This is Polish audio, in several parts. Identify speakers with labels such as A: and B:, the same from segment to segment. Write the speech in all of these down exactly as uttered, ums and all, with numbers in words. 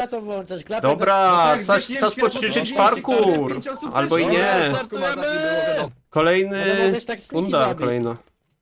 A: to włączać, klapę
B: Dobra,
C: tak,
B: czas,
C: zgasiłem
B: czas
C: światło,
B: poćwiczyć
C: to
B: parkour.
C: pięć osób
B: Albo i
C: też.
B: nie.
C: Dobra, startujemy!
A: No
B: Kolejny...
A: możesz tak sniki
B: Runda
A: zabić.
B: kolejna.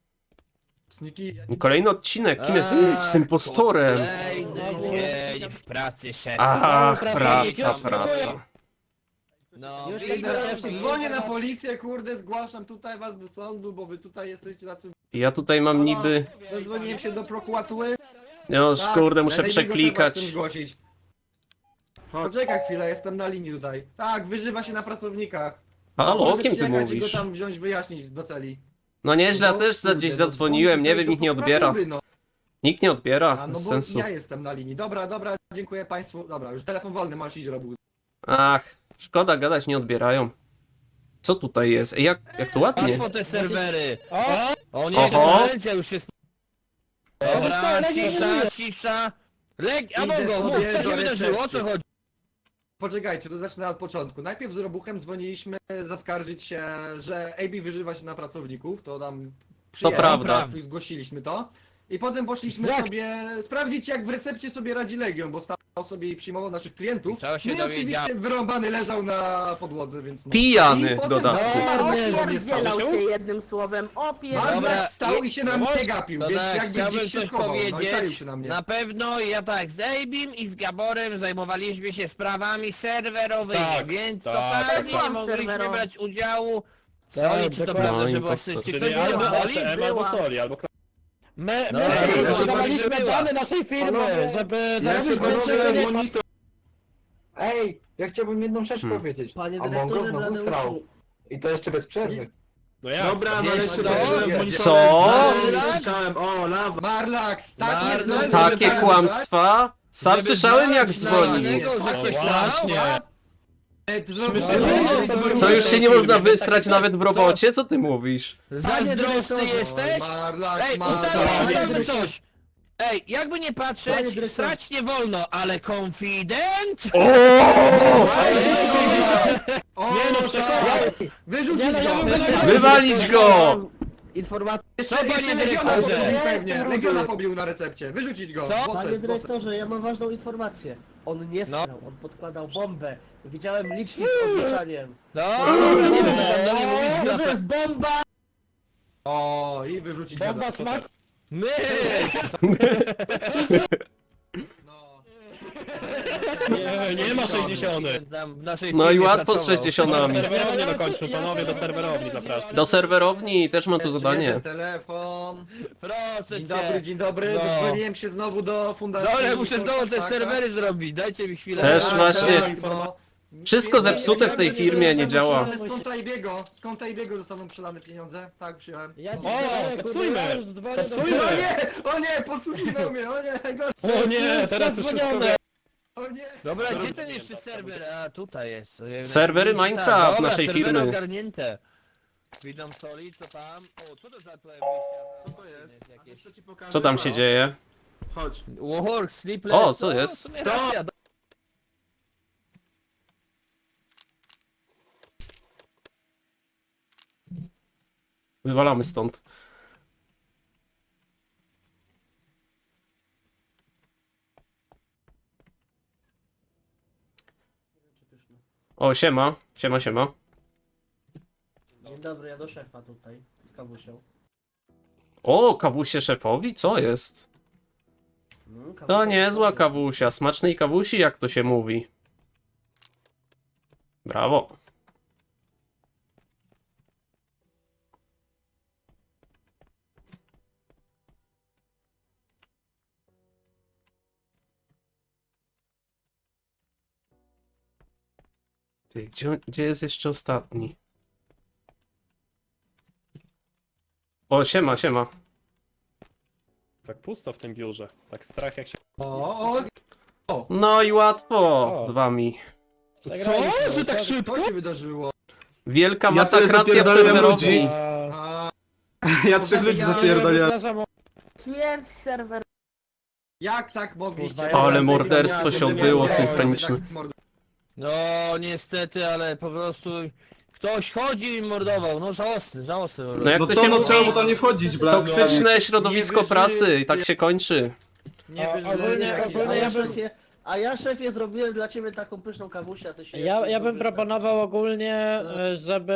C: Sniki,
B: Kolejny odcinek. Kim jest... Z tym postorem.
D: Kolejny dzień w pracy szefa.
B: Ach,
A: Dobra,
B: praca,
A: już
B: praca.
D: No,
A: Już
D: widać,
A: idę.
D: że-
C: dzwonię na policję, kurde, zgłaszam tutaj was do sądu, bo wy tutaj jesteście tacy...
B: Ja tutaj mam niby...
C: Zadzwoniłem się do prokuratury.
B: No
C: Tak,
B: kurde, muszę
C: najlepiej go trzeba
B: przeklikać.
C: chcę zgłosić. Poczekaj chwilę, jestem na linii tutaj. Tak, wyżywa się na pracownikach.
B: Halo, o
C: Może
B: kim ty
C: przyjechać i
B: mówisz?
C: go tam wziąć, wyjaśnić do celi.
B: No nieźle, ja
C: No,
B: też za-
C: kurde,
B: gdzieś
C: no,
B: zadzwoniłem, nie
C: dzwoń
B: wiem,
C: tutaj
B: nikt nie
C: do
B: odbiera.
C: prokuratury, no.
B: Nikt nie odbiera,
C: A, no
B: bez
C: bo
B: sensu.
C: ja jestem na linii. Dobra, dobra, dziękuję państwu. Dobra, już telefon wolny, masz iść robił.
B: Ach, szkoda gadać, nie odbierają. Co tutaj jest? Ej, jak, jak to ładnie.
D: Łatwo te serwery.
A: O!
D: O nie,
B: Oho.
D: konferencja już jest. Dobra,
A: Zostało, Legia
D: cisza,
A: dominuje.
D: cisza. Leg... A
C: Idę
D: Mongo, mów,
C: sobie
D: co
C: do
D: się wydarzyło, o co
C: recepcji.
D: chodzi?
C: Poczekajcie, to zacznę od początku. Najpierw z Robuchem dzwoniliśmy zaskarżyć się, że A B wyżywa się na pracowników, to nam przyjechał,
B: prawda.
C: i zgłosiliśmy to. I potem poszliśmy
A: Jak?
C: sobie sprawdzić, jak w recepcie sobie radzi Legion, bo stał sobie i przyjmował naszych klientów.
D: To się
C: No i
D: dowiedziałem.
C: oczywiście wyrąbany leżał na podłodze, więc no.
B: Pijany
C: I potem
B: dodatku.
C: zaczynamy, że nie stało
E: Opierdzielał
C: się.
E: się jednym słowem, opierdzielał.
C: Magda
D: Dobra,
C: stał i się na
D: no
C: mnie gapił,
D: To
C: więc
D: tak,
C: jakby
D: chciałbym
C: gdzieś się
D: coś
C: schował, no i czaił
D: powiedzieć.
C: się na mnie.
D: Na pewno ja tak z Abim i z Gaborem zajmowaliśmy się sprawami serwerowymi,
F: Tak,
D: więc
F: tak,
D: totalnie
E: tak.
D: nie mogliśmy
E: Serwerowy.
D: brać udziału.
A: Tak,
D: Soli, czy to
A: dokładnie.
D: prawda, że
B: No,
D: było
B: impostor.
D: czy ktoś
F: Czyli
D: wiedział
F: albo
D: Soli?
F: A T M, albo
E: Była.
F: Soli, albo
A: My,
D: No,
A: my
D: dobra,
A: sprzedawaliśmy
D: była.
A: dane naszej firmy,
C: Panowie,
A: żeby
C: Ja się
A: zarobić
C: panowie
A: więcej.
C: monitor... Ej, ja chciałbym jedną rzecz
B: Hmm.
C: powiedzieć.
G: Panie
C: A Mongo
G: dyrektorze
C: znowu
G: Bladeuszu.
C: srał. I to jeszcze bez przerwy.
F: No jak?
G: Dobra, no
D: Wiesz
G: jeszcze
D: co?
G: patrzyłem w
C: Co?
G: monitorze.
B: Co?
G: Znałem, Słyszałem, o, lawa.
C: Marlax, tak jest.
D: Marlax,
C: no,
B: Takie
C: żeby
B: kłamstwa? Sam
D: Żeby
B: słyszałem jak
D: znaleźć
B: dzwoni.
D: znajomego, że
F: No
D: ktoś
F: właśnie.
D: srał?
C: Ej, to zrobię-
A: Śmieszne.
B: To już się nie można wysrać nawet w robocie? Co ty mówisz?
D: Zazdrosny jesteś?
C: Marlax,
D: Ej,
C: Marlax.
D: ustalmy, ustalmy coś! Ej, jakby nie
A: Panie
D: patrzeć,
A: dyrektorze.
D: srać nie wolno, ale konfident?
C: O,
F: Nie no, przekonam.
C: tak. Wyrzucić
A: Nie no, ja
C: go.
A: bym go-
B: Wywalić go!
G: Informacja.
C: Jeszcze,
D: Co,
C: jeszcze
D: panie
C: Legiona
D: dyrektorze?
C: pobił
E: Ja
C: pewnie.
E: jestem
C: Legiona
E: rudy.
C: pobił na recepcie. Wyrzucić go.
D: Co?
C: Złote,
G: Panie
C: złote.
G: dyrektorze, ja mam ważną informację. On nie
D: No.
G: strał, on podkładał bombę. Widziałem licznik z odliczaniem.
D: No, dobra, nie będę do mnie mówić
A: To
D: grata.
A: jest bomba!
C: O, i wyrzucić go.
A: Bomba smak!
D: My!
C: No.
F: Nie, nie ma sześćdziesiąt.
D: Tam w naszej
B: No i
D: firmie
B: łatwo z
D: pracował.
F: Do
B: sześćdziesiątami.
F: serwerowni dokończmy, panowie, do serwerowni zapraszam.
B: Do serwerowni też mam tu
C: Jeszcze
B: zadanie.
C: jeden telefon.
D: Proszę
C: Dzień
D: cię.
C: dobry, dzień dobry.
D: No.
C: Dodzwoniłem się znowu do fundacji.
D: Dobra, muszę znowu te
C: Tak,
D: serwery zrobić, dajcie mi chwilę.
B: Też
C: tak,
B: właśnie.
C: tak, no.
B: Wszystko zepsute w tej firmie, nie działa.
C: Skąd Tajbiego? Skąd Tajbiego zostaną przelane pieniądze? Tak, przyjąłem.
A: Ja ci
F: O,
A: przyznaję, kurde,
F: popsujmy.
A: ja już dzwonię do-
F: Popsujmy.
C: O nie! O nie! Podsłuchiwał mnie! O nie! Najgorsze!
F: O nie, teraz już wszystko
A: Zadzwonione.
F: wiem.
C: O nie!
D: Dobra, gdzie ten jeszcze serwer? A, tutaj jest. Ojej,
B: Serwery
D: tak,
B: Minecraft
D: dobra,
B: naszej
D: serwery
B: firmy.
D: ogarnięte. Witam Soli, co tam? O, co to za tutaj
G: Co to jest?
D: Jakieś...
G: Co ci pokażę?
B: Co tam się dzieje?
G: Chodź.
D: Warhol, Sleepless.
B: O, co
D: no,
B: jest?
D: w sumie racja.
B: Wywalamy stąd. O, siema. Siema, siema.
G: Dzień dobry, ja do szefa tutaj. Z kawusią.
B: O, kawusie szefowi? Co jest?
G: Mm, kawusia
B: To niezła
G: szefowi.
B: kawusia. Smacznej kawusi, jak to się mówi. Brawo. Ty, gdzie, gdzie jest jeszcze ostatni? O, siema, siema.
F: Tak pusto w tym biurze. Tak strach jak się...
C: O, o!
B: No i łatwo
F: O.
B: z wami.
A: Zagraliśmy,
F: Że tak
A: co-
F: szybko?
C: Co się wydarzyło?
B: Wielka
H: Ja sobie
B: masakracja w
H: zapierdoliłem
B: serwerowni.
H: ludzi.
A: A,
C: A,
H: Ja trzech ludzi
C: Ja-
H: zapierdoliłem.
A: Przepraszam,
E: Śmierć serwer.
C: jak tak mogliście?
A: Kurwa,
B: Ale
A: ja-
B: morderstwo się odbyło
C: Nie,
B: synchroniczne.
C: tak mord-
D: No niestety, ale po prostu ktoś chodził i mordował. No żałosny, żałosny. po prostu.
B: No jak
H: No
B: to
H: co,
B: się
H: no
B: mówi?
H: trzeba mu tam nie wchodzić, bla.
B: Toksyczne środowisko
C: Nie
B: pracy
C: wyżyje.
B: i tak się kończy.
C: Nie
A: A,
C: wiesz,
A: ogólnie-
C: że...
A: ogólnie
G: Ale
A: ja bym-
G: szefie, A ja szefie zrobiłem dla ciebie taką pyszną kawusię, a ty się...
A: Ja, ja bym
G: dobrze
A: proponował ogólnie,
G: No.
A: e, żeby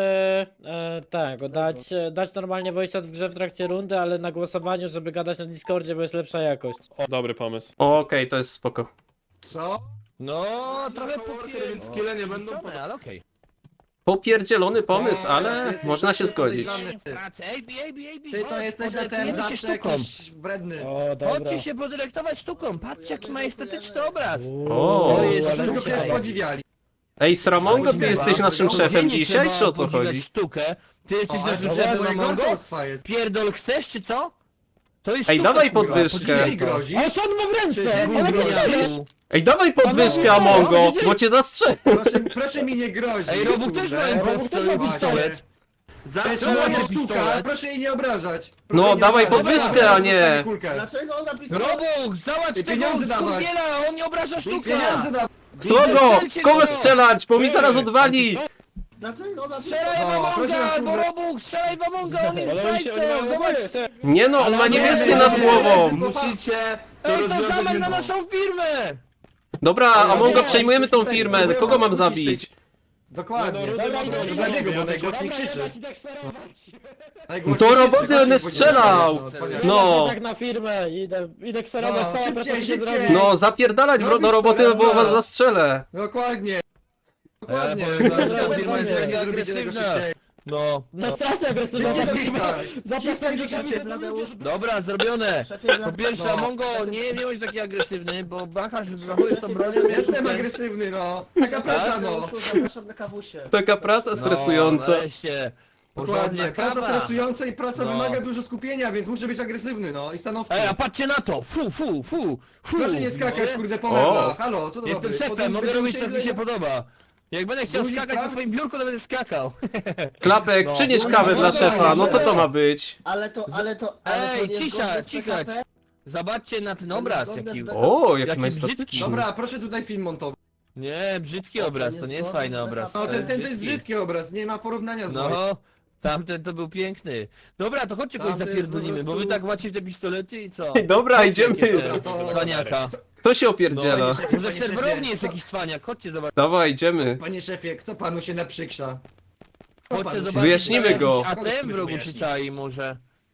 A: e, tego, dać, e, dać normalnie voice chat w grze w trakcie rundy, ale na głosowaniu, żeby gadać na Discordzie, bo jest lepsza jakość.
F: O, dobry pomysł.
B: Okej, to jest spoko.
C: Co?
D: No, trochę popier...
H: Więc skille nie będą
D: Liczone, ale okej.
B: Popierdzielony pomysł,
C: O,
B: ale
C: jesteś
B: można się zgodzić.
C: podejrzany.
D: Pracy, ej bi, ej bi, ej bi,
C: Ty to
D: chodź,
C: jesteś na ten
D: podepniemy się
C: zawsze
D: sztuką.
C: jakiś wredny.
A: O, dobra.
D: Chodźcie się podyrektować sztuką, patrzcie jaki ma estetyczny obraz.
B: O,
D: To jest
A: ale
C: Tylko
D: sztuka.
C: przecież podziwiali.
B: Ej, Sramongo, ty jesteś naszym
C: Gdzie
B: szefem
D: nie
B: dzisiaj,
D: trzeba
B: czy o co
D: podziwiać
B: chodzi?
D: sztukę. Ty jesteś
C: O,
D: naszym
C: ale
D: szefem,
C: to moje
D: Amongo?
C: gortostwa jest.
D: Pierdol chcesz, czy co? To jest
B: Ej,
D: sztuka,
B: dawaj
D: kurwa,
B: podwyżkę.
D: podziwiaj
C: Ty
D: to.
C: grozisz?
A: O, co on ma w ręce?
C: Ty,
A: Ale
C: gówniarzu.
A: pistolet!
B: Ej, dawaj podwyżkę,
A: no,
B: Amongo,
A: no,
B: bo cię zastrzelę.
C: Proszę, proszę mi nie grozić.
D: Ej, Robuch też ma
C: Robuch też
D: pistolet.
C: ma pistolet. To jest
D: Zastrzelaj
C: moja
D: cię
C: sztuka,
D: pistolet.
C: proszę jej nie obrażać.
B: No,
C: Proszę nie
B: dawaj
C: obrażać.
B: podwyżkę,
C: Dobra,
B: a nie.
C: dostanę kulkę.
G: Dlaczego on napisał?
D: Robuch, załatw
C: Ty
D: tego
C: pieniądze dawaj.
D: skurwiela, on nie obraża sztuka.
C: Pieniądze da...
B: Kto go?
D: Strzelcie
B: Kogo
D: go.
B: strzelać? Bo mi zaraz odwali.
G: Dlaczego on napisał?
D: Strzelaj w
C: O, proszę
D: Amonga,
C: was,
D: bo
C: kurde.
D: Robuch, strzelaj w Amonga, on jest
F: Ale oni się, oni
D: zdrajcą,
F: mają
D: zobacz.
F: oboje.
B: Nie no, on ma niebieskie
C: nie,
B: nad
C: nie,
B: głową.
C: nie,
H: musicie to
D: Ej, to
H: rozwiązać
D: zamach na
H: między-
D: naszą firmę.
B: Dobra, Amongo,
C: nie,
B: przejmujemy tą
C: tutaj
B: firmę.
C: próbuję
B: Kogo
C: was
B: mam
C: skłócić
B: zabić?
C: Dokładnie.
F: No, no,
A: Dobra,
F: Dobra,
A: idę,
F: dobra,
A: idę,
C: Dlatego,
F: dobra,
C: bo najgłośniej
A: Dobra,
C: krzyczy.
A: jebać i tak sterować.
C: Najgłośniej
B: To
C: krzyczy,
B: roboty
C: właśnie,
B: one
C: bo-
B: strzelał.
C: wspaniale.
B: No.
A: Ja tak na firmę, idę, idę kserować,
C: No,
A: cała
C: szybciej,
A: praca się
C: szybciej.
A: zrobi.
B: No, zapierdalać w- do
C: Robisz
B: roboty,
C: to,
B: bo
C: dobra.
B: was zastrzelę.
C: Dokładnie. Dokładnie.
D: Ja powiem wam, że ta
C: Dokładnie.
D: firma jest
C: Dokładnie.
D: jaka
C: Zrobicie tego
D: agresywna.
C: szybciej.
D: No,
A: No strasznie agresywna ta
C: Szybciej,
A: firma.
C: tak.
A: Zapraszam do
G: Szefie,
A: kamery.
G: Bladeusz.
D: dobra, zrobione.
G: Szefie,
D: Po
G: Bladeusz.
D: pierwsze,
C: No.
D: Amongo, nie, nie bądź taki agresywny, bo bachasz, zachowujesz tą bronią.
C: Jestem agresywny, no. Taka praca, no.
G: Bladeuszu, zapraszam na kawusię.
B: Taka praca stresująca.
D: No, weźcie. Porządnie,
C: Dokładnie. Praca
D: kawa.
C: stresująca i praca
D: No.
C: wymaga dużo skupienia, więc muszę być agresywny, no. I stanowczy.
D: Ej, a patrzcie na to! Fu, fu, fu, fu!
C: Proszę nie skakać,
D: Widzicie?
C: kurde, po
B: O.
C: meblach. Halo, co to
D: Jestem
C: ma być?
D: szefem,
C: Potem
D: mogę
C: będziemy
D: robić co mi się
C: źle-
D: podoba. Jak będę chciał
C: Guzik,
D: skakać na
C: tak?
D: swoim biurku, to będę skakał.
B: Klapek,
D: No.
B: przynieś
C: No,
B: kawę
C: no,
B: dla
C: no,
B: szefa, no co to
G: no.
B: ma być?
G: Ale to, ale to, ale to
D: Ej,
G: nie
D: cisza,
G: zgodne z
D: cichać.
G: P K P.
D: Zobaczcie na ten obraz, jaki...
B: O, jaki
D: Jaki
B: majestatyczny.
D: brzydki.
C: Dobra, proszę tutaj film montowy.
D: Nie, brzydki obraz, to nie jest fajny obraz.
C: No, ten, ten to jest
D: brzydki.
C: brzydki obraz, nie ma porównania z moim.
D: No, tamten to był piękny. Dobra, to chodźcie kogoś
C: Tamten jest
D: zapierdolimy,
C: po
D: bo wy
C: prostu-
D: tak macie te pistolety i co?
B: Ej, dobra,
D: Chodźcie
B: idziemy.
D: jakieś te
C: To-
D: Cwaniaka.
B: Kto się
D: No,
B: opierdziela?
D: może w serwerowni jest jakiś cwaniak, chodźcie zobaczyć.
B: Dawaj, idziemy.
C: Panie szefie, kto panu się naprzykrza? Kto
D: Chodźcie
C: panu się-
D: zobaczyć,
B: Wyjaśnimy
D: jakiś
B: go.
D: A ten w rogu się
C: Wyjaśnić.
D: czai może.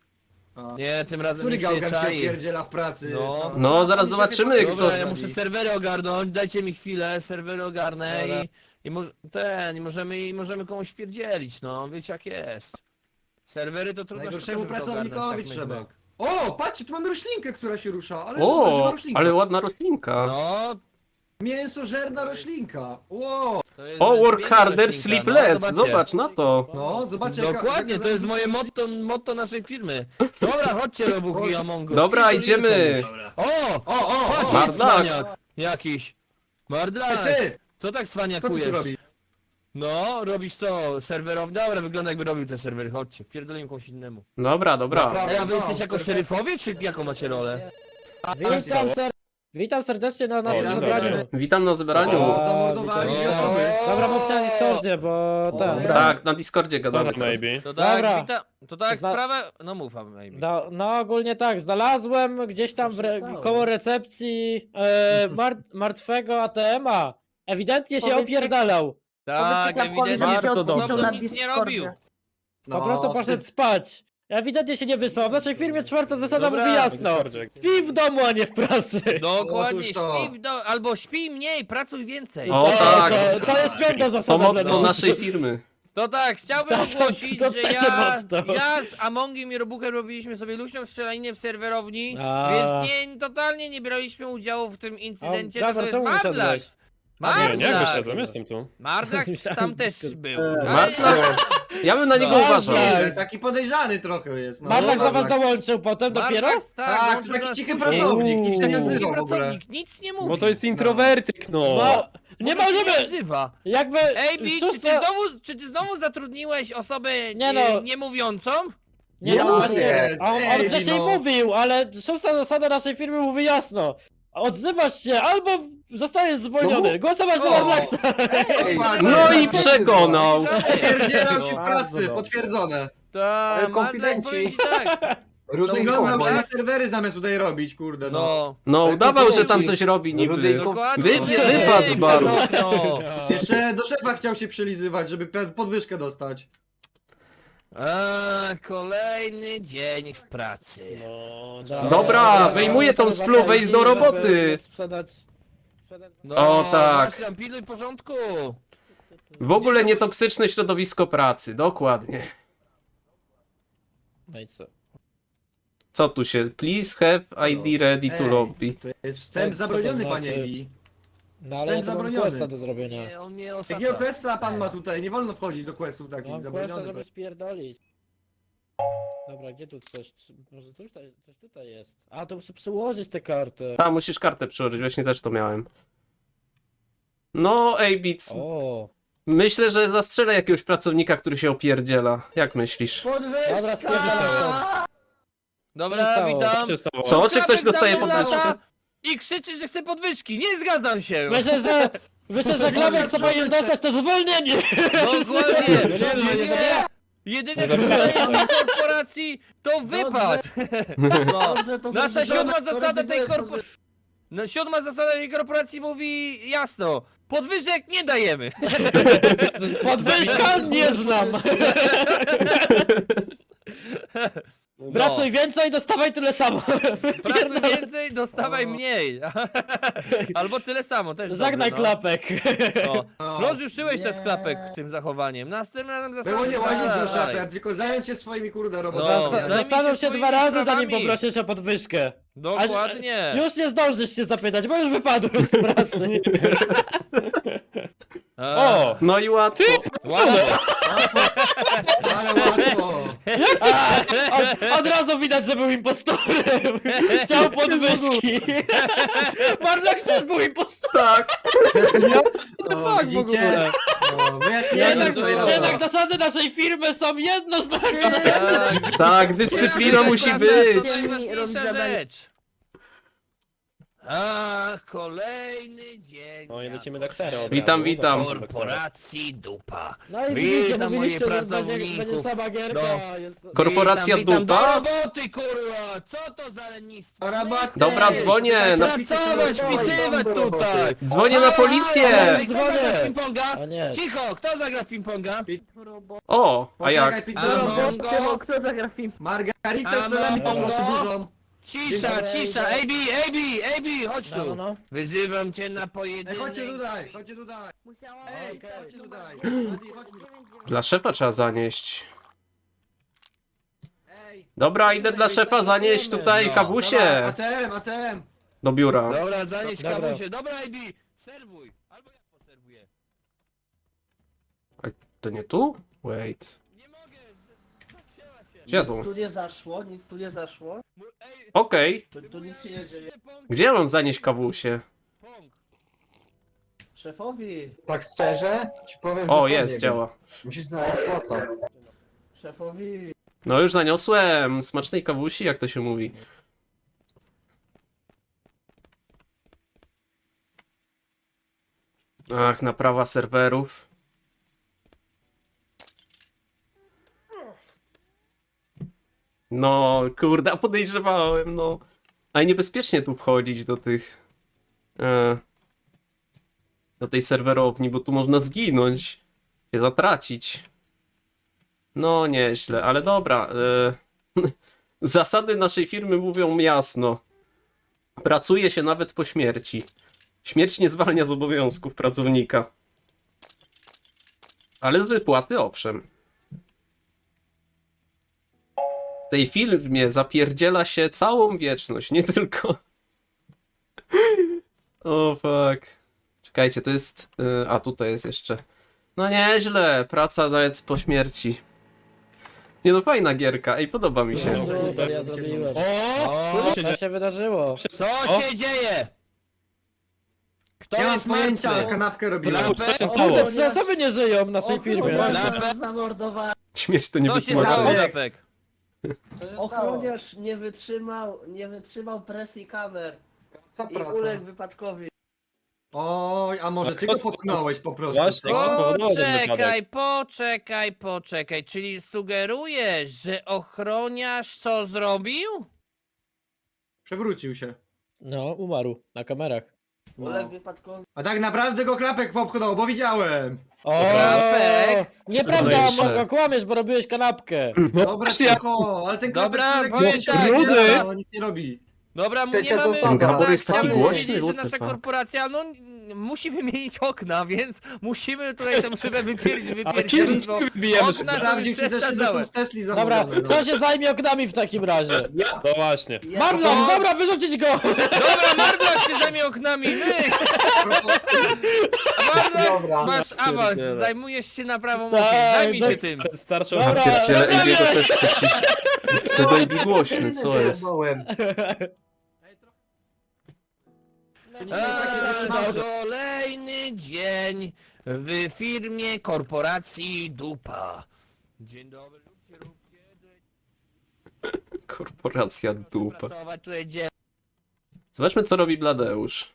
C: A.
D: Nie, tym razem
C: Który
D: nikt się nie
C: gałgan się
D: czai.
C: pierdziela w pracy?
D: No.
B: No, zaraz zobaczymy, kto...
D: Dobra, ja muszę serwery ogarnąć, dajcie mi chwilę, serwery ogarnę
C: Dobra.
D: i, i może, ten, i możemy, i możemy komuś wpierdzielić, no, wiecie jak jest. Serwery to trudno
C: Najgorszemu
D: sztuka, żeby to
C: pracownikowi
D: ogarnąć, tak
C: trzeba.
D: myk, myk.
C: O, patrzcie, tu mamy roślinkę, która się rusza, ale żywa
B: O,
C: roślinka.
B: ale ładna roślinka.
D: No,
C: Mięsożerna roślinka. Wow.
D: to jest
B: O, work
D: piękna
B: harder,
D: roślinka,
B: sleep
D: no,
B: less,
D: zobaczcie.
B: zobacz na to.
C: No, zobaczcie jaka-
D: Dokładnie,
C: jaka
D: to jest moje
C: zarobista-
D: motto, motto naszej firmy. Dobra, chodźcie Robuch i Amongo.
B: Dobra,
D: Pierdolimy
B: idziemy.
D: komuś. O,
C: O, o,
D: patrz,
C: o,
D: jest
B: Mardlax.
D: cwaniak jakiś. Mardlax,
C: ty,
D: co tak
C: co ty tu
D: cwaniakujesz?
C: robisz?
D: No, robisz co? Serwerowi? Dobra, wygląda jakby robił te serwery, chodźcie, wpierdolimy komuś innemu.
B: Dobra, dobra.
C: Dobra.
D: Ej, a wy
C: No,
D: jesteście jako
C: serwer-
D: szeryfowie, czy jaką macie rolę?
A: Witam, ser... Witam serdecznie na naszym
F: dzień
A: zebraniu.
C: dobry.
B: Witam na zebraniu.
C: O, zamordowali
A: witam.
C: dwie osoby.
A: Dobra, mówcie na Discordzie, bo ten...
C: Dobra.
B: Tak, na Discordzie
F: Co
B: gadamy
F: tam,
B: teraz.
F: maybe?
D: To
A: tak,
D: tak,
A: Dobra.
D: to tak
A: Zna-
D: sprawę... No mów, maybe.
A: No, no ogólnie tak, znalazłem gdzieś tam w
G: Co się
A: re...
G: stało?
A: koło recepcji e, mar... martwego A T M a. Ewidentnie się
E: Powiedzcie-
A: opierdalał.
D: Tak,
E: Powiedzcie Klapkowi,
D: ewidentnie,
E: żeby się
A: Bardzo
E: odpuścił
A: dobrze.
E: na
D: nic nie
E: Discordzie.
D: robił.
C: No,
A: Po prostu poszedł
C: wstyd.
A: spać. Ewidentnie się nie wyspał. W naszej firmie czwarta zasada
D: Dobra,
A: mówi
F: Na
A: jasno.
F: Discordzie.
A: Śpi w domu, a nie w pracy.
D: Dokładnie,
C: Otóż to.
D: śpi w do... albo śpi mniej, pracuj więcej.
B: O,
A: to,
B: tak.
A: To, to jest piąta
B: To
A: zasada dla
B: motto
A: nas.
B: naszej firmy.
D: To tak, chciałbym
A: To- to-
D: ogłosić,
A: to
D: że
A: trzecie
D: ja,
A: motto.
D: ja z Amongiem i Robuchem robiliśmy sobie luźną strzelaninę w serwerowni,
A: A.
D: więc nie, totalnie nie braliśmy udziału w tym incydencie,
A: A,
D: to, to
A: dobra,
D: jest
A: czemu wyszedłeś?
D: Mardlax.
F: Nie, nie
D: Mardlax.
F: wyszedłem, jestem tu.
D: Mardlax
A: Myślałem,
D: tam
A: że
D: też
A: tylko-
D: był.
A: Eee,
D: Ale...
B: Mardlax. Ja bym na niego
A: Mardlax.
B: uważał.
A: Tak.
C: Taki podejrzany trochę jest. No.
A: Marlak za was
C: Mardlax.
A: dołączył potem dopiero?
D: Mardlax, tak,
C: Tak,
D: dołączył
C: to
D: do
C: taki
D: nas
C: cichy
D: później.
C: pracownik, nic się nie
A: Uuu.
C: odzywa
D: Taki
C: w ogóle.
D: pracownik, nic nie mówi.
F: Bo to jest introwertyk, no.
A: No, nie
D: W ogóle się
A: możemy!
D: Nie odzywa.
A: Jakby...
D: Ej, Bi, czy ty,
A: szósta-
D: znowu, czy ty znowu zatrudniłeś osobę
A: Nie
D: e,
A: no.
D: niemówiącą?
A: Nie, no,
C: No
A: właśnie,
C: nie,
A: on, on
C: ej,
A: wcześniej
C: no.
A: mówił, ale szósta zasada naszej firmy mówi jasno. Odzywasz się, albo zostajesz zwolniony. Głosować na
C: O.
A: Mardlaxa!
C: Ej,
B: No i przekonał.
C: Pierdzielam się w
A: Bardzo
C: pracy,
A: dobrze.
C: potwierdzone.
D: Tak, Mardlax, powiem ci tak.
G: Rudy i
C: Wyglądał
G: Kombos.
C: na serwery zamiast tutaj robić, kurde no.
D: No.
B: No,
C: Ale
B: udawał,
C: to
B: że tam
C: Rudy-
B: coś robi
G: Rudy
B: niby.
G: i Kombos.
D: Dokładnie.
B: Wy-
D: wyjdź
B: wypadł z
D: przez
B: baru.
D: okno.
C: Jeszcze do szefa chciał się przylizywać, żeby pe- podwyżkę dostać.
D: A, kolejny dzień w pracy.
F: No,
A: Dobra,
B: Dobra, wyjmuję tą
A: spluwę
B: spluwę i do roboty.
A: Sprzedać... sprzedać...
D: No,
B: O, tak.
D: Właśnie tam pilnuj porządku.
B: W ogóle nietoksyczne środowisko pracy, dokładnie.
A: No i co?
B: Co tu się? Please have I D ready to
C: Ej.
B: lobby.
C: To jest wstęp
A: Co to
C: zabroniony,
A: znaczy?
C: panie Ebi.
A: No ale ja
C: Wstęp
A: to mam
C: zabroniony.
A: questa do zrobienia.
D: Nie, on mnie
C: Jakiego
D: osacza.
C: questa pan ma tutaj? Nie wolno wchodzić do questów takich
A: Mam questa,
C: zabronionych.
A: żeby spierdolić. Dobra, gdzie tu coś? Czy- Może coś tutaj, coś tutaj jest? A, to muszę przyłożyć tę kartę.
B: Tam musisz kartę przyłożyć, właśnie też to miałem. No, ej, Beats.
A: O,
B: Myślę, że zastrzelę jakiegoś pracownika, który się opierdziela. Jak myślisz?
A: Dobra,
G: Podwyżka!
A: stwierdzę
D: Dobra,
A: Co się
D: witam.
F: Co się stało?
B: Co? Czy ktoś
D: Klapek
B: dostaje
D: za mną
B: podwyżkę?
D: lata I krzyczy, że chce podwyżki. Nie zgadzam się.
A: myślę, że... Myślę, że Glawek co powinien dostać to zwolnienie!
D: Dokładnie.
A: Nie, nie, nie, nie, nie.
D: Jedyne co dostajesz na korporacji to wypad. No.
G: Dobrze, to
D: Nasza
G: zrobione,
D: siódma
G: to
D: zasada tej
G: rezygnuję z
D: korporacji. No, siódma zasada tej korporacji mówi jasno. Podwyżek nie dajemy.
A: Podwyżka nie znam!
D: No.
A: Pracuj więcej, dostawaj tyle samo!
D: Pracuj więcej, dostawaj mniej. Albo tyle samo, też
A: Żegnaj
D: dobre, no.
A: klapek!
D: No.
C: No.
D: Rozjuszyłeś te
G: Nie.
D: sklepek tym zachowaniem. Następnym razem
C: Było
D: zastanów
C: nie
D: się
C: łazić za
D: dalej.
C: szefem, tylko zająć się swoimi kurde
D: No.
C: robotami.
D: Zajmij
A: Zastanów się
D: swoimi
A: dwa razy, zanim
D: sprawami.
A: poprosisz o podwyżkę.
D: Dokładnie.
A: Już nie zdążysz się zapytać, bo już wypadłem z pracy.
D: A,
A: O!
B: No i łatwo.
D: Łatwo.
C: Ale łatwo.
A: Od, od razu widać, że był impostorem. Chciał podwyżki. Barlak też był impostorem.
B: Tak.
C: No,
A: fuck w ogóle?
C: No, wyjaśniłem
A: Jednak,
C: swoje
D: Jezu.
A: jednak zasady naszej firmy są jednoznaczne.
D: Tak.
B: Tak, dyscyplina musi
D: Klasa
B: być.
D: To najważniejsza rzecz. A, kolejny dzień.
F: No i lecimy do ksero. od
B: Witam,
F: razu.
B: witam.
F: Zapraszam do ksero.
D: Korporacji dupa.
A: No i
D: Witam
A: widzicie,
D: moich
A: mówiliście, że będzie,
D: pracowników.
A: będzie sama gierka.
D: No.
A: Jest...
B: Korporacja
D: witam, witam.
B: dupa?
D: Do roboty, kurwa! Co to za lenistwo?
C: Rabaty.
B: Dobra, dzwonię. Na...
D: Pracować, pisywać tutaj!
B: Dzwonię na policję.
D: Ej, Kto zagra w ping-ponga?
A: O nie.
D: Cicho, kto zagra w ping-ponga?
B: O, a jak?
C: Poczekaj,
D: A
C: pizza.
D: Mongo?
E: Kto zagra w film?
C: Margaritę
D: A
C: z salami po
D: Mongo?
C: prostu dużą.
D: Cisza, cisza! Ej, Bi, ej, Bi, ej, Bi, chodź
A: No, no,
D: tu!
A: no.
D: Wyzywam cię na
C: Ej,
D: pojedynek.
C: chodźcie tutaj, chodźcie tutaj.
E: Musiałam...
C: Ej,
A: Okej.
C: chodźcie tutaj. Chodźcie, chodźcie.
B: Dla szefa trzeba zanieść.
C: Ej.
B: Dobra, idę dla szefa zanieść tutaj
D: No.
C: Dobra,
B: kawusie
C: A T M, A T M.
B: do biura.
D: Dobra, zanieś
A: Dobra.
D: kawusie. Dobra, ej, Bi, serwuj! Albo ja poserwuję.
B: To nie tu? Wait.
D: Nie mogę, z- zacięła się.
B: Gdzie
G: Nic
B: tu?
G: tu nie zaszło, nic tu nie zaszło.
D: Mu- Ej,
B: Okej.
G: Tu, tu nic się nie dzieje.
D: pong,
B: Gdzie ja mam zanieść kawusie?
D: pong.
G: Szefowi,
H: Tak szczerze, ci powiem,
B: O,
H: że sam
B: jest,
H: nie
B: działa.
H: wiem. Musisz znaleźć sposób.
G: szefowi.
B: No już zaniosłem. Smacznej kawusi, jak to się mówi. Ach, naprawa serwerów. No, kurde, a podejrzewałem, no. Ale niebezpiecznie tu wchodzić do tych... E, do tej serwerowni, bo tu można zginąć. Się zatracić. No, nieźle, ale dobra. E, zasady naszej firmy mówią jasno. Pracuje się nawet po śmierci. Śmierć nie zwalnia z obowiązków pracownika. Ale z wypłaty owszem. W tej firmie zapierdziela się całą wieczność, nie tylko... O fuck. Czekajcie, to jest... y, a tutaj jest jeszcze... No nieźle, praca nawet po śmierci. Nie no, fajna gierka, ej, podoba mi się.
A: No, super, ja zrobiłem.
D: O,
A: Co się wydarzyło?
D: co się dzieje? Kto
C: Nie mam
D: jest
C: pojęcia,
D: martwy?
C: kanapkę robiłem.
F: Klapek, co się
A: O,
F: stało?
A: kurde, trzy osoby nie żyją w naszej firmie.
G: Ochroniarz zamordowany.
B: Śmierć to nie
D: Co się
B: wytłumaczy.
D: stało, Klapek?
G: Ochroniarz nie wytrzymał, nie wytrzymał presji kamer
H: Co
G: i
H: praca?
G: uległ wypadkowi.
C: Oj, a może
F: A
C: ty
F: kto
C: go
F: spo-
C: popchnąłeś po prostu.
F: Właśnie,
C: co?
F: kto spowodował ten wypadek?
D: Poczekaj, poczekaj, poczekaj. Czyli sugerujesz, że ochroniarz co zrobił?
C: Przewrócił się.
A: No, umarł na kamerach.
G: Ulek wypadkowy.
C: A tak naprawdę go klapek popchnął, bo widziałem.
A: O,
D: Klapek.
A: nieprawda,
B: Zajebiście.
A: Morgo, kłamiesz, bo robiłeś kanapkę.
C: Dobra, cicho, ale ten klapek
D: Dobra,
C: człowiek
D: powiem
C: wiecie,
D: tak,
C: nie
D: ja-
C: działa, nic nie robi.
D: Dobra, mu
H: Trzecia
D: nie mamy...
H: zasada.
B: Ten Gabor jest taki
D: chciałbym
B: głośny,
D: powiedzieć, że
B: what the
D: nasza
B: fuck.
D: korporacja, no n- musi wymienić okna, więc musimy tutaj tę szybę wypierdzić,
F: Ale
D: wypierdzić,
F: kiedy
D: bo
F: wybijemy
D: okna są
C: Sprawdził
D: już
C: się też, czy
D: przestarzałe.
C: są z Tesli
A: Dobra,
C: zamówione. no.
A: kto się zajmie oknami w takim razie?
F: No właśnie.
A: Marlon, dobra, wyrzucić go!
D: Dobra, Mardlax się zajmie oknami, my! Mardlax,
H: Dobra.
D: masz awans,
F: pierdzielę.
D: zajmujesz się naprawą
A: Tak,
D: okien, zajmij się
A: tak.
D: tym.
F: Starczy
A: Dobra.
B: Pierdziele,
A: Dobra,
B: Ejbiego
A: nie.
B: też przecisz. Ty baby głośny, co jest?
D: Eee, kolejny dzień w firmie korporacji Dupa. Dzień dobry, róbcie, róbcie.
B: Korporacja dupa.
D: Pracować tutaj dzień.
B: Zobaczmy, co robi Bladeusz.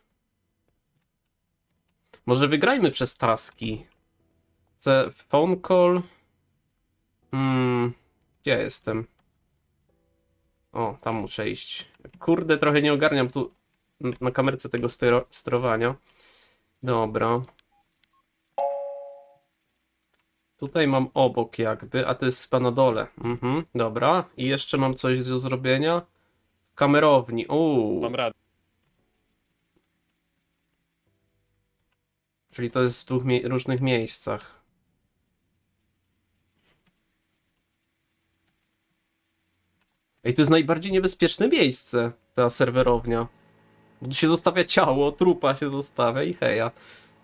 B: Może wygrajmy przez taski. Chcę phone call. Hmm, gdzie ja jestem? O, tam muszę iść. Kurde, trochę nie ogarniam tu n- na kamerce tego stero- sterowania. Dobra. Tutaj mam obok jakby, a to jest chyba na dole. Mhm, dobra. I jeszcze mam coś do zrobienia. Kamerowni. Uuu.
F: Mam radę.
B: Czyli to jest w dwóch mie- różnych miejscach. Ej, to jest najbardziej niebezpieczne miejsce, ta serwerownia. Bo tu się zostawia ciało, trupa się zostawia i heja.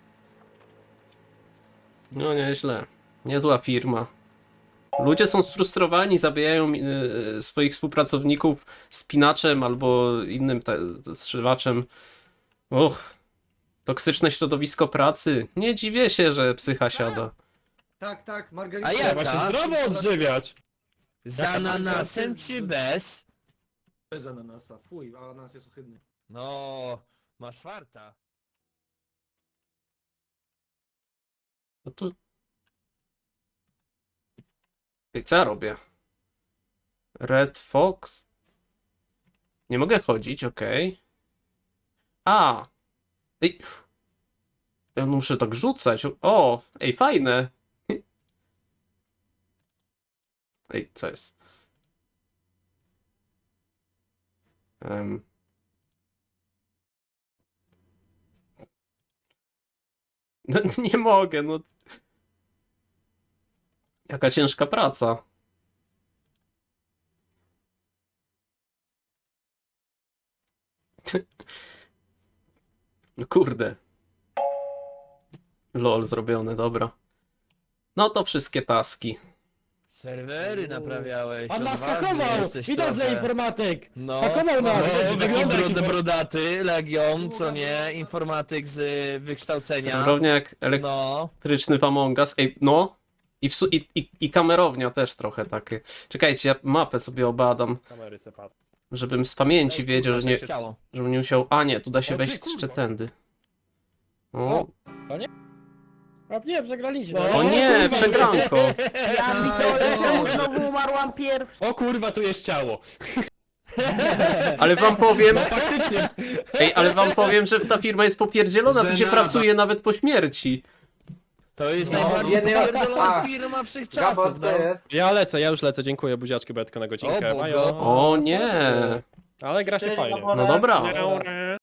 B: No nieźle. Niezła firma. Ludzie są sfrustrowani, zabijają yy, swoich współpracowników spinaczem albo innym te- zszywaczem. Och. Toksyczne środowisko pracy. Nie dziwię się, że psycha siada.
C: Tak, tak, Margarita.
D: A ja-
F: Trzeba się
D: Jaka?
F: zdrowo odżywiać.
D: Z ananasem czy bez?
C: Bez ananasa, fuj, ananas jest ohydny.
D: No, masz farta.
B: No tu... Ej, co ja robię? Red Fox? Nie mogę chodzić, okej. A! Ej! Ja muszę tak rzucać. O! Ej, fajne! Ej, co jest? Em. No, nie mogę, no. Jaka ciężka praca. No kurde. Lol zrobione, dobra. No to wszystkie taski.
D: Serwery naprawiałeś.
A: On nas
D: odważny
A: hakował!
D: jesteś
A: Widać, że
D: trochę.
A: informatyk!
D: No,
A: Hakował nas!
D: no
A: Wygląda
D: wygląda
A: jak
D: jak brodaty, Legion, co nie, informatyk z y, wykształcenia.
B: Serwerownia jak elektryczny
D: No,
B: w Among Us. Ej, no. I, w su- i, i, I kamerownia też trochę takie. Czekajcie, ja mapę sobie obadam,
F: Kamery se patrzą.
B: żebym z pamięci wiedział, że nie,
D: chciało.
B: żebym nie musiał... A nie, tu da się
F: O ty
B: wejść
F: kurwa.
B: jeszcze tędy. O,
A: A nie, przegraliśmy.
B: o nie,
A: kurwa,
B: przegranko.
E: Ja pitole, znowu umarłam pierwszy.
F: O kurwa, tu jest ciało.
B: Ale wam powiem,
F: Faktycznie.
B: ej, ale wam powiem, że ta firma jest popierdzielona, tu się
C: Żenada.
B: pracuje nawet po śmierci.
D: To jest
H: No,
D: najbardziej
H: jednej-
D: popierdolona
H: A,
D: firma wszechczasów,
H: Gabor,
D: no.
H: co jest?
F: Ja lecę, ja już lecę, dziękuję, buziaczki, bo ja tylko na godzinkę.
D: O, Bogo.
F: Majo.
B: O nie.
F: Ale gra się
G: Cześć,
F: fajnie.
G: Gaborek.
B: No dobra.
F: Dobra.